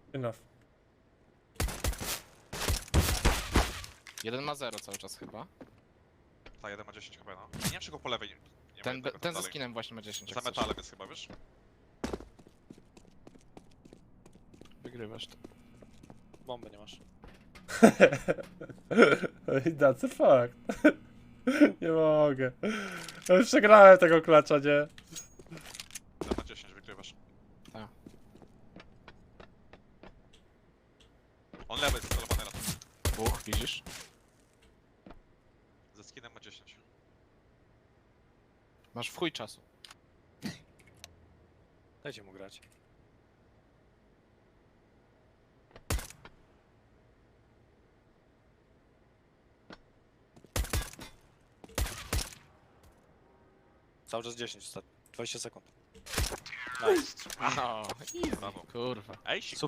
Enough. Jeden ma 0 cały czas chyba. Ta, jeden ma 10 chyba, no. Nie wiem, czy go po lewej nie ma Ten, jednego tam ten ze dalej. skinem właśnie ma 10. Za jak chcesz. metalem jest chyba, wiesz? Wygrywasz to. Bomby nie masz. That's a fact. Nie mogę. Ja już przegrałem tego klacza, nie? Ten ma 10, wygrywasz. Tak. On lewy jest celowany na to. Dwóch, widzisz? Ze skinem ma 10. Masz w chuj czasu. Dajcie mu grać. Cały czas 10 ostatnio. 20 sekund. Nice. No, Brawo. kurwa. Ej,